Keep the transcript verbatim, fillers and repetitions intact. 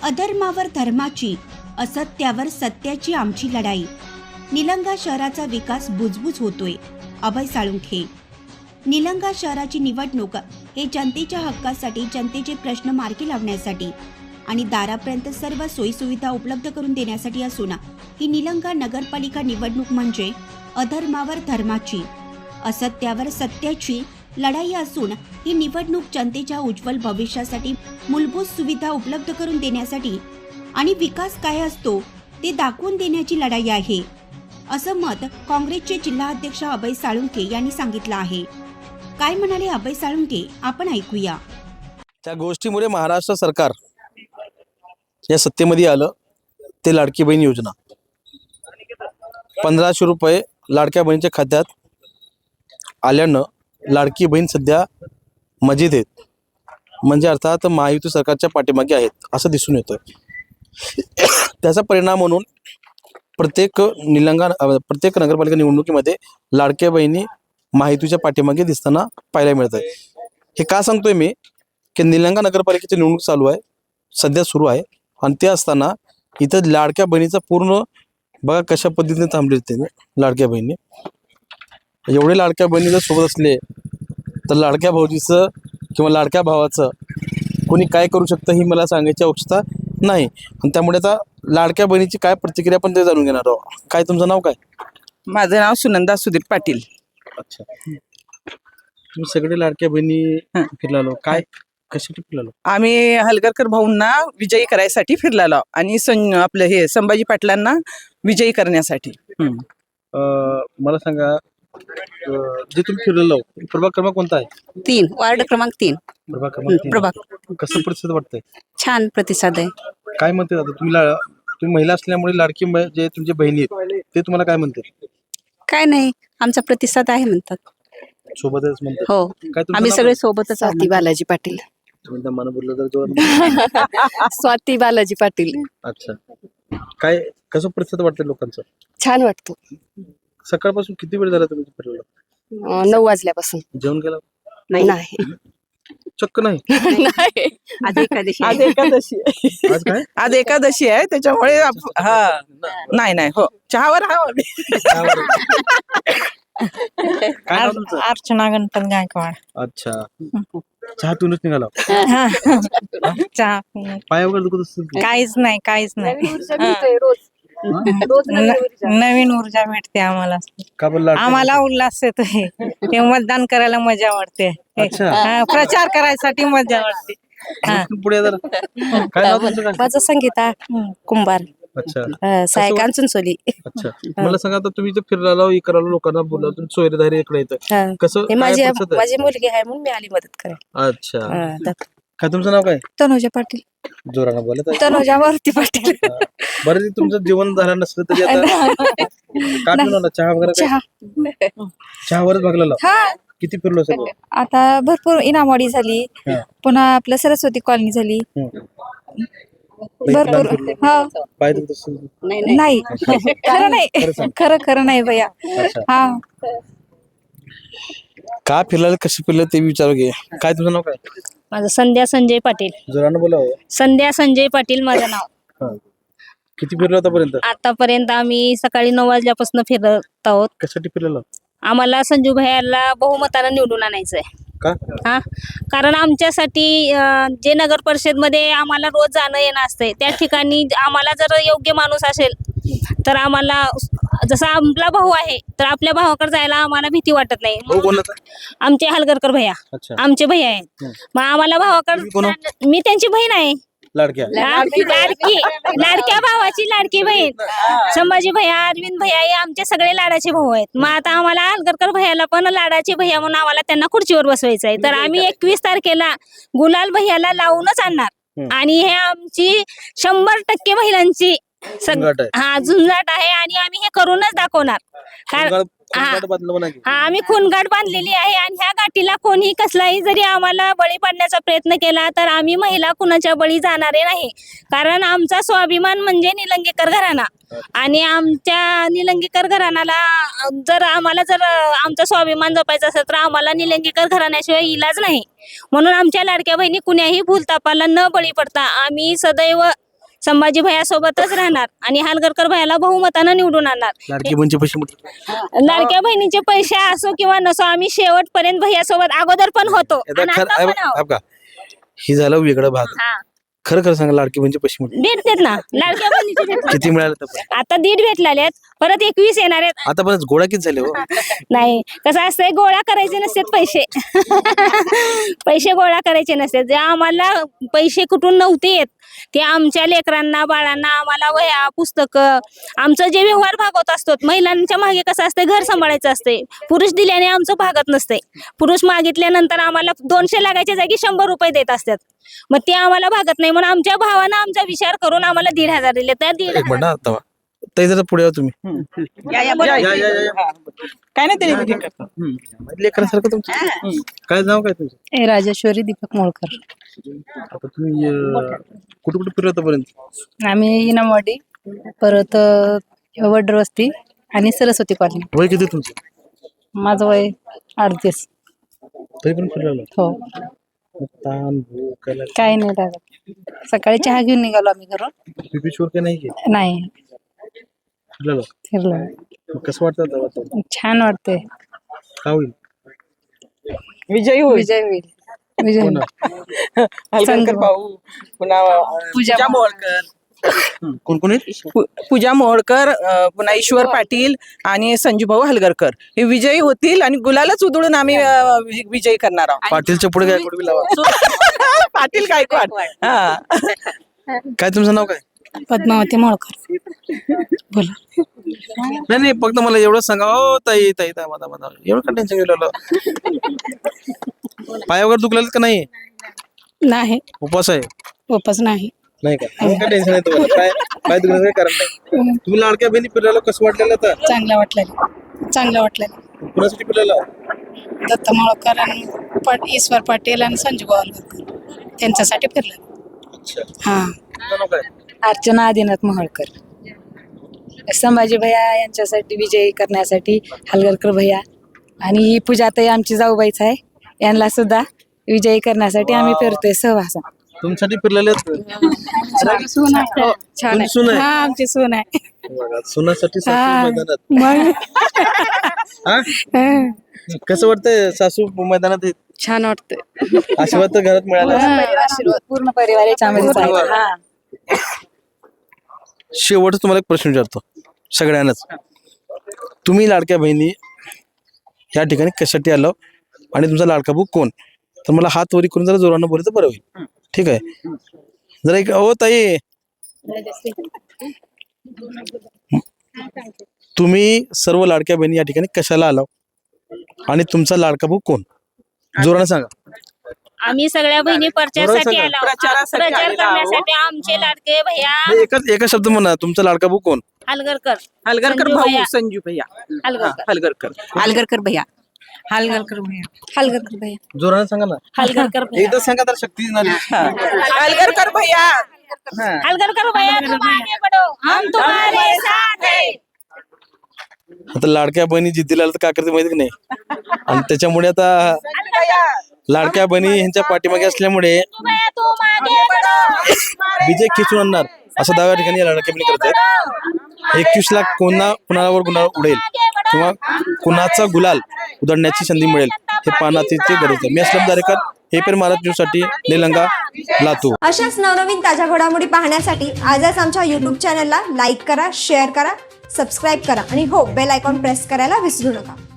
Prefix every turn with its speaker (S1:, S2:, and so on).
S1: अधर्मावर धर्माची, असत्यावर सत्याची आमची लढाई. निलंगा शहराचा विकास बुजबुज होतोय. अभय साळुंखे. निलंगा शहराची निवडणूक हे जनतेच्या हक्कासाठी, जनतेचे प्रश्न मार्गी लावण्यासाठी आणि दारापर्यंत सर्व सोयीसुविधा उपलब्ध करून देण्यासाठी असून ही निलंगा नगरपालिका निवडणूक म्हणजे अधर्मावर धर्माची, असत्यावर सत्याची लढाई असून ही निवडणूक जनतेच्या उज्ज्वल भविष्यासाठी, मूलभूत सुविधा उपलब्ध करून देण्यासाठी आणि विकास काय असतो ते दाखवून देण्याची लढाई आहे, असं मत काँग्रेसचे जिल्हाध्यक्ष अभय साळुंखे यांनी सांगितलं आहे. काय म्हणाले अभय साळुंखे आपण ऐकूया.
S2: त्या गोष्टीमुळे महाराष्ट्र सरकार या सत्तेमध्ये आलं ते लाडकी बहीण योजना. पंधराशे रुपये लाडक्या बहिणीच्या खात्यात आल्यानं लाडकी बहीण सध्या मजेत आहेत, म्हणजे अर्थात महायुती सरकारच्या पाठीमागे आहेत असं दिसून येतं. त्याचा परिणाम म्हणून प्रत्येक निलंगा प्रत्येक नगरपालिका निवडणुकीमध्ये लाडक्या बहिणी महायुतीच्या पाठीमागे दिसताना पाहायला मिळत आहे. हे का सांगतोय मी की निलंगा नगरपालिकेची निवडणूक चालू आहे, सध्या सुरू आहे, आणि ते असताना इथं लाडक्या बहिणीचा पूर्ण बघा कशा पद्धतीने थांबले ते लाडक्या बहिणी. एवढे लाडक्या बहिणी जर सोबत असले तर लाडक्या भाऊजीचं किंवा लाडक्या भावाचं कोणी काय करू शकतं ही मला सांगायची आवश्यकता नाही. आणि त्यामुळे आता लाडक्या बहिणीची काय प्रतिक्रिया पण ते जाणून घेणार आहोत. काय तुमचं नाव काय?
S3: माझं नाव सुनंदा सुदीप पाटील.
S2: अच्छा, तुम्ही सगळे लाडक्या बहिणी फिरलालो, काय कशासाठी फिरलालो?
S3: आम्ही हलगरकर भाऊंना विजयी करायसाठी फिरलेलो आणि सं आपलं हे संभाजी पाटलांना विजयी करण्यासाठी.
S2: मला सांगा, जे तुम्ही फिरलेलो प्रभाग क्रमांक कोणता आहे?
S4: तीन, वार्ड क्रमांक तीन.
S2: प्रभाग क्रमांक तीन.
S4: प्रभाग
S2: कसं प्रतिसाद वाटतंय?
S4: छान प्रतिसाद आहे.
S2: काय म्हणते आता तुम्ही ला- तुम्ही महिला असल्यामुळे लाडकी ब- जे तुमचे बहिणी आहेत ते तुम्हाला काय म्हणते?
S4: काय नाही, आमचा प्रतिसाद आहे म्हणतात.
S2: सोबतच म्हणतात.
S4: हो,
S2: काय तुमचं
S4: आम्ही
S2: नाव
S4: सगळे
S2: काय?
S4: सोबतच
S5: स्वाती
S4: आहोत.
S5: बालाजी पाटील.
S2: तुम्ही त्या मानं बोललं तर जोरात.
S5: स्वाती बालाजी पाटील.
S2: अच्छा, काय कसं प्रतिसाद वाटतं लोकांचं?
S5: छान वाटतो.
S2: सकाळपासून किती वेळ झाला तुम्ही फिरला?
S5: अं, नऊ वाजल्यापासून.
S2: जेवण केलं?
S5: नाही
S2: चक्क नाही.
S5: नाही.
S4: आज एकादशी
S3: आज एकादशी आहे.
S2: आज काय?
S3: आज एकादशी आहे त्याच्यामुळे आप- हा नाही नाही हो चहावर हा आम्ही.
S2: काय नाव तुमचं?
S6: अर्चना गणपत गायकवाड.
S2: अच्छा, चहा पिऊनच निघाला?
S6: चहा
S2: पाय वगैरे दुखत असतील की?
S6: काहीच नाही काहीच नाही
S5: रोज
S6: नवीन ऊर्जा भेटते आम्हाला.
S2: का बरं लाडक्या
S6: आम्हाला उल्हास येतोय. ते मतदान करायला मजा वाटते.
S2: अच्छा.
S6: हा, प्रचार करायसाठी मजा वाटते.
S2: बहिणी? पुढे जरा. काय नाव तुमचं काय?
S5: माझं संगीता कुंभार.
S2: अच्छा
S5: अं, साय कांचनसोली.
S2: अच्छा, मला सांगा आता तुम्ही जर फिरला इकडला लोकांना बोला तुम्ही सोयरेदारी इकडे येतं
S5: हा.
S2: कसं
S5: हे
S2: काय
S5: माझी
S2: प्रतिसाद आहे?
S5: माझी मुलगी आहे म्हणून मी आली मदत करायला.
S2: अच्छा,
S5: अं, तर-
S2: काय तुमचं नाव काय?
S5: तनुजा पाटील.
S2: जोरानं बोलत आहे.
S5: तनुजा मारुती पाटील.
S2: बरं ते तुमचं जीवन झालं नसलं तरी आता काय पिऊन आला? चहा वगैरे काय?
S5: चहा.
S2: चहावरच भागलेला?
S5: हा,
S2: किती फिरलो सगळं?
S5: आता भरपूर इनामवाडी झाली,
S2: हा.
S5: पुन्हा आपलं सरस्वती कॉलनी झाली.
S2: हम्म.
S5: भरपूर. हा,
S2: पाय दुखत असेल.
S5: नाही खरं नाही,
S2: खरं सांग.
S5: खरं खरं नाही भैया.
S2: अच्छा,
S5: हा,
S2: का फिरला कसं फिरलं ते विचारू घे. काय तुझं नाव काय?
S7: माझं संध्या संजय पाटील.
S2: जोरानं बोला.
S7: संध्या संजय पाटील माझं नाव.
S2: हा. किती फिरलो आतापर्यंत?
S7: आतापर्यंत आम्ही सकाळी नऊ वाजल्यापासून फिरत आहोत.
S2: कशासाठी फिरलेलं?
S7: आम्हाला संजू भैयाला बहुमतानं निवडून आणायचंय.
S2: का?
S7: हा, कारण आमच्यासाठी अं, जे नगर परिषद मध्ये आम्हाला रोज जाणं येणं असतंय त्या ठिकाणी आम्हाला जर योग्य माणूस असेल तर आम्हाला, जसा आपला भाऊ आहे तर आपल्या भावाकडे जायला आम्हाला भीती वाटत नाही.
S2: भाऊ कोणाचा?
S7: आमचे हलगरकर भैया
S2: अच्छा,
S7: आमचे भैया आहेत.
S2: हम्म.
S7: मग आम्हाला
S2: तुम्ही कोण?
S7: भावाकडे, मी त्यांची बहीण आहे.
S2: लाडक्या.
S7: लाडकी लाडकी लाडक्या भावाची लाडकी बहीण. संभाजी भैया, अरविंद भैया हे आमचे सगळे लाडाचे भाऊ आहेत. मग आता आम्हाला हलगरकर भैयाला पण लाडाचे भैया म्हणून आम्हाला त्यांना खुर्चीवर बसवायचं आहे. तर आम्ही एकवीस तारखेला गुलाल भैयाला लावूनच आणणार.
S2: हम्म.
S7: आणि हे आमची शंभर टक्के महिलांची सग-
S2: झुंजाट आहे.
S7: हा झुंजाट आहे आणि आम्ही हे करूनच दाखवणार. कारण
S2: कोणगाड-
S7: हा.
S2: कोणगाड बांधलं म्हणा की.
S7: हा, आम्ही खूनगाठ बांधलेली आहे आणि ह्या गाठीला कोणी कसलाही जरी आम्हाला बळी पडण्याचा प्रयत्न केला तर आम्ही महिला कुणाच्या बळी जाणारे नाही. कारण आमचा स्वाभिमान म्हणजे निलंगेकर घराणा आणि आमच्या निलंगेकर घराण्याला जर आम्हाला जर आमचा स्वाभिमान जपायचा असेल तर आम्हाला निलंगेकर घराण्याशिवाय इलाज नाही. म्हणून आमच्या लाडक्या बहिणी कुण्याही भूलतापाला न बळी पडता आम्ही सदैव संभाजी भैया सोबतच राहणार आणि हलगरकर भैयाला बहुमतानं निवडून आणणार.
S2: लाडकी बहिणीचे पैसे म्हटलं
S7: लाडक्या बहिणीचे पैसे असो किंवा नसो आम्ही शेवटपर्यंत भैया सोबत अगोदर पण होतो
S2: आता
S7: आणि
S2: खर
S7: आता पण आहोत.
S2: का ही झालं वेगळं भाग.
S7: हा
S2: खरं खरं सांगा लाडकी बहिणीचे पैसे म्हटलं
S7: भेटतात ना लाडक्या बहिणीचे भेटतात.
S2: किती मिळाले तर
S7: आता दीड भेटलेले आहेत परत एकवीस येणार आहेत.
S2: आता पण गोळा किती झाले हो
S7: नाही कसं असतंय गोळा करायचे नसतात पैसे पैसे गोळा करायचे नसतात. जे आम्हाला पैसे कुठून नव्हते येत ते आमच्या लेकरांना बाळांना आम्हाला वह्या पुस्तकं आमचं जे व्यवहार भागवत असतो. महिलांच्या मागे कसं असतंय घर सांभाळायचं असते. पुरुष दिल्याने आमचं भागत नसते. पुरुष मागितल्यानंतर आम्हाला दोनशे लागायच्या जागी शंभर रुपये देत असतात. मग ते आम्हाला भागत नाही म्हणून आमच्या भावानं आमचा विचार करून आम्हाला दीड हजार दिले. त्या दीड
S2: एक मिनिट आता ताई जरा पुढे या तुम्ही.
S3: या, या, या, या, या, या. काय नाही तरी ठीक आहे.
S2: लेकरांसारखं तुमचं काय नाव काय तुमचं?
S6: राजेश्वरी दीपक मोळकर.
S2: आता तुम्ही अं, कुठे कुठे फिरला आतापर्यंत?
S6: आम्ही इनामवाडी परत अ, वडर वस्ती आणि सरस्वती कॉलनी.
S2: वय किती तुमचं?
S6: माझं वय अडतीस.
S2: तरी पण फिरला
S6: हो
S2: ताण भूक काय
S6: काही नाही लागत. सकाळी चहा घेऊन निघालो आम्ही घरून.
S2: बीपी शुगर काय नाही की
S6: नाही
S2: फिरलेलं
S6: फिरलो.
S2: मग कसं वाटतं आता वातावरण?
S6: छान वाटतंय.
S2: काय होईल?
S3: विजयी होईल.
S6: विजय होईल. विजय
S2: कोण?
S6: होईल.
S3: हलगरकर भाऊ पुन्हा अं,
S6: पूजा
S3: पूजा मोहोळकर
S2: कोण कोण आहेत?
S3: पू- पूजा मोहोळकर अं, पुन्हा ईश्वर पाटील आणि संजूभाऊ हलगरकर हे विजयी होतील आणि गुलालच उधळून आम्ही अं, वि- विजयी करणार आहोत.
S2: पाटीलच्या पुढे काय कुठे लावा
S3: पाटील गायकवाड. हा
S2: काय तुमचं नाव काय?
S6: पद्मावती मोळकर. बोला.
S2: नाही नाही फक्त मला एवढं सांगा. ओ ताई ताई ताई माझा माझा एवढं का टेन्शन गेलं? पाय वगैरे दुखलेत का नाही?
S6: नाही
S2: उपास आहे
S6: वापस नाही.
S2: नाही का? मग काय टेन्शन आहे तुम्हाला? काय काय दुखण्याचं काही कारण नाही. तुम्ही लाडक्या बहिणी फिरलेला कसं वाटलेलं आता?
S6: चांगलं वाटलं चांगलं वाटलं.
S2: कुणासाठी फिरलेला?
S6: दत्त मोळकर आणि पाट ईश्वर पाटील आणि संजू गोवालकर त्यांच्यासाठी फिरलं.
S2: अच्छा
S6: हा.
S2: तुमचं नाव काय?
S6: अर्चना आदिनाथ मोहोळकर. संभाजी भैया यांच्यासाठी विजयी करण्यासाठी हलगरकर भैया आणि ही पूजाताई आमची जाऊबाईच आहे. यांना सुद्धा विजयी करण्यासाठी आम्ही फिरतोय सहवासा.
S2: तुमच्यासाठी फिरलेले आहेत?
S6: सून आहे. हो, छान
S2: तुमची सून
S6: आहे.
S2: आहे?
S6: हा आमची सून आहे.
S2: बघा, सुनासाठी सासू
S6: हा.
S2: मैदानात.
S6: मग
S2: हा? कसं वाटतंय सासू मैदानात आहेत?
S6: छान वाटतंय.
S2: आशीर्वाद तर घरात मिळाला.
S6: आशीर्वाद पूर्ण परिवार याच्यामध्येच आहे. हा.
S2: शेवटच तुम्हाला एक प्रश्न विचारतो सगळ्यांनाच. तुम्ही लाडक्या बहिणी या ठिकाणी कशासाठी आलो आणि तुमचा लाडका भाऊ कोण? तर मला हात वरी करून जरा जोरानं बोललं तर बरं होईल. ठीक आहे जरा एक हो ताई तुम्ही सर्व लाडक्या बहिणी या ठिकाणी कशाला आलो आणि तुमचा लाडका भाऊ कोण? जोरानं सांगा.
S7: आम्ही सगळ्या बहिणी प्रचारासाठी
S2: सांगा.
S7: आलो
S3: प्रचारासाठी
S7: प्रचार
S3: आलेलो आहोत.
S7: करण्यासाठी आमचे लाडके भैया
S2: नाही, एकच एका शब्द म्हणा तुमचा लाडका भाऊ कोण?
S7: हलगरकर
S3: हलगरकर
S7: संजू
S3: भाऊ
S7: भैया.
S3: संजू भैया.
S7: हलगरकर
S3: हा, हलगरकर
S4: हलगरकर भैया.
S6: हलगरकर भैया. हलगरकर भैया.
S2: जोरानं सांगा ना.
S7: हलगरकर भैया
S2: एकदा सांगा तर शक्ती येणार आहे.
S3: हलगरकर भैया. हा.
S7: हलगरकर भैया तुम आगे बढ़ो हम तुम्हारे साथ हैं.
S2: आता लाडक्या बहिणी जिद्दीला आलं तर काय करते माहिती की नाही. आणि त्याच्यामुळे आता लाडक्या बहिणी यांच्या पाठीमागे असल्यामुळे
S7: भैया तुम आगे बढ़ो
S2: विजय खिचून आणणार असा दावा या ठिकाणी या लाडक्या बहिणी करत आहेत. एकवीस लाख कोणा कुणावर गुन्हा उडेल किंवा कुणाचा गुलाल उधळण्याची संधी मिळेल हे पाहण्याची गरज आहे. मी असलम दारेकर हे पण महाराष्ट्र न्यूज साठी निलंगा लातूर.
S8: अशाच नवनवीन ताज्या घडामोडी पाहण्यासाठी आजच आमच्या यूट्यूब चॅनलला लाईक करा, शेअर करा, सबस्क्राईब करा आणि हो बेल आयकॉन प्रेस करायला विसरू नका.